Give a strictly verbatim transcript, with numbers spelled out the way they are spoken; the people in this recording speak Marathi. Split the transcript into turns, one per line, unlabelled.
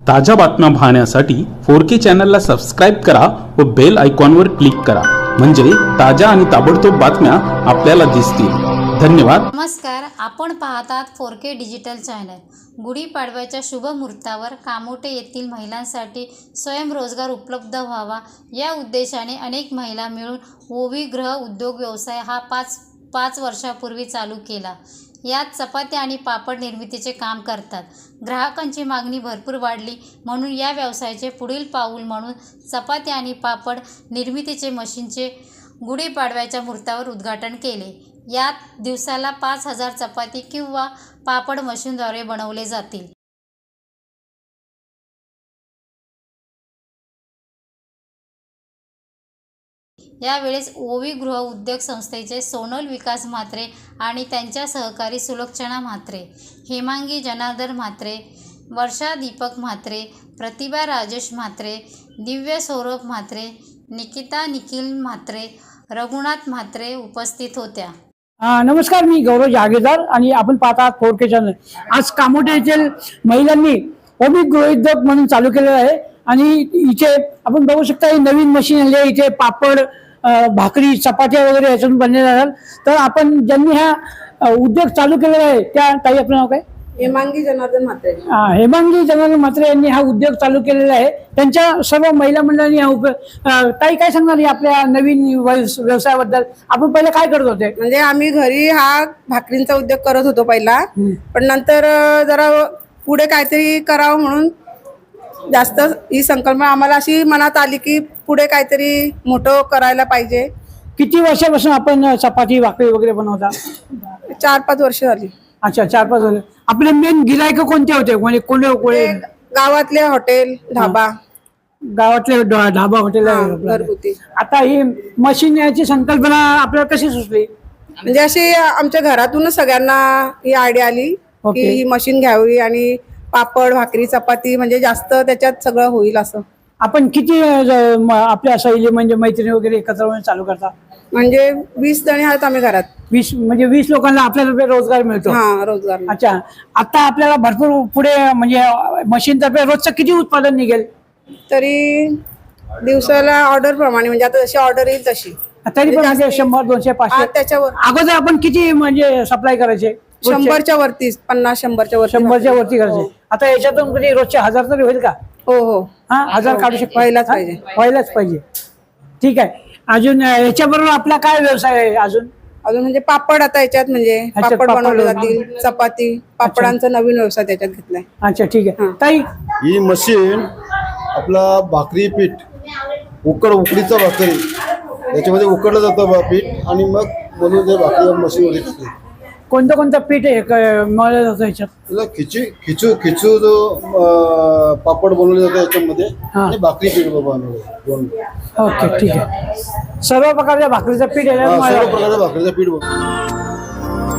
ताज्या बातम्या पाहण्यासाठी फोर के चॅनलला सबस्क्राईब करा व बेल आयकॉनवर क्लिक करा, म्हणजे ताज्या आणि ताबडतोब बातम्या आपल्याला दिसतील। धन्यवाद।
नमस्कार, आपण पाहतात फोर के डिजिटल चॅनल। गुढीपाडव्याच्या शुभ मुहूर्तावर कामोठे येथील महिलांसाठी स्वयंरोजगार उपलब्ध व्हावा या उद्देशाने अनेक महिला मिळून ओवी गृह उद्योग व्यवसाय हा पाच पाच वर्षापूर्वी चालू केला। यात चपाती आणि पापड निर्मितीचे काम करतात। ग्राहकांची मागणी भरपूर वाढली म्हणून या व्यवसायाचे पुढील पाऊल म्हणून चपाती आणि पापड निर्मितीचे मशीनचे गुढीपाडव्याच्या मुहूर्तावर उद्घाटन केले। यात दिवसाला पाच हजार चपाती किंवा पापड मशीनद्वारे बनवले जातील। यावेळेस ओवी गृह उद्योग संस्थेचे सोनल विकास म्हात्रे आणि त्यांच्या सहकारी सुलोचना म्हात्रे, हेमांगी जनार्दन म्हात्रे, वर्षा दीपक म्हात्रे, प्रतिभा राजेश म्हात्रे, दिव्य सौरभ म्हात्रे, निकिता निखिल म्हात्रे, रघुनाथ म्हात्रे उपस्थित होत्या।
नमस्कार, मी गौरव जागीरदार आणि आपण पाहतात फोर के चॅनल। आज कामोठे येथील महिलांनी ओवी गृह उद्योग म्हणून चालू केलेला आहे आणि इथे आपण बघू शकता ही नवीन मशीन आली आहे। इथे पापड, भाकरी, चपात्या वगैरे याच्यातून बनले जातात। तर आपण ज्यांनी हा उद्योग चालू केलेला आहे त्या ताई, आपलं नाव काय?
हेमांगी जनार्दन म्हात्रे।
हेमांगी जनार्दन म्हात्रे यांनी हा उद्योग चालू केलेला आहे। त्यांच्या सर्व महिला मंडळांनी हा उपयोग। ताई, काय सांगणार आपल्या नवीन व्यवसायाबद्दल? आपण पहिले काय करत होते?
म्हणजे आम्ही घरी हा भाकरींचा उद्योग करत होतो पहिला, पण नंतर जरा पुढे काहीतरी करावं म्हणून जास्त ही संकल्पना आम्हाला अशी मनात आली की पुढे काहीतरी मोठं करायला पाहिजे।
किती वर्षापासून आपण चपाती भाकरी वगैरे बनवता?
चार पाच वर्ष झाली।
अच्छा, चार पाच वर्ष। आपले मेन गिरायक कोणते होते? म्हणजे कोणी कोणी?
गावातले हॉटेल, ढाबा।
गावातले ढाबा, हॉटेल
घरगुती।
आता ही मशीन याची संकल्पना आपल्याला कशी सुचली?
म्हणजे अशी आमच्या घरातूनच सगळ्यांना ही आयडिया आली की ही मशीन घ्यावी आणि पापड, भाकरी, चपाती म्हणजे जास्त त्याच्यात सगळं होईल असं।
आपण किती आपल्या सैली म्हणजे मैत्रिणी वगैरे एकत्र चालू करता?
म्हणजे वीस जणी आहेत आम्ही घरात।
वीस म्हणजे वीस लोकांना आपल्याला रोजगार मिळतो?
हा, रोजगार।
अच्छा, आता आपल्याला भरपूर पुढे म्हणजे मशीन तर्फे रोजचं किती उत्पादन निघेल?
तरी दिवसाला ऑर्डर प्रमाणे, म्हणजे आता जशी ऑर्डर येईल तशी।
तरी पण म्हणजे शंभर, दोनशे, पाचशे
त्याच्यावर।
अगोदर आपण किती म्हणजे सप्लाय करायचे?
शंभरच्या वरतीच, पन्नास शंभरच्या वरती
शंभरच्या वरती करायचे। आता याच्यातून कधी रोजचे हजार तरी होईल का?
हो हो,
हा, हजार काढू शकतो?
व्हायलाच पाहिजे,
व्हायलाच पाहिजे। ठीक आहे। अजून याच्याबरोबर आपला काय व्यवसाय आहे? अजून
अजून म्हणजे पापड, आता याच्यात म्हणजे पापड बनवले जातील, चपाती, पापडांचा नवीन व्यवसाय त्याच्यात घेतलाय।
अच्छा, ठीक आहे। ताई,
ही मशीन आपला भाकरी पीठ, उकड उकडीचं भाकरी याच्यामध्ये उकडलं जातं पीठ आणि मग बनवून ते भाकरी मशीनमध्ये टाकते।
कोणतं कोणतं पीठ आहे मळलं जातं याच्यात?
त्याला खिची खिचू खिचू जो पापड बनवले जातं याच्यामध्ये आणि भाकरी पीठ बनवलं।
ओके, ठीक आहे। सर्व प्रकारच्या भाकरीचं पीठ आहे,
सर्व प्रकारचं भाकरीचं पीठ बनवलं।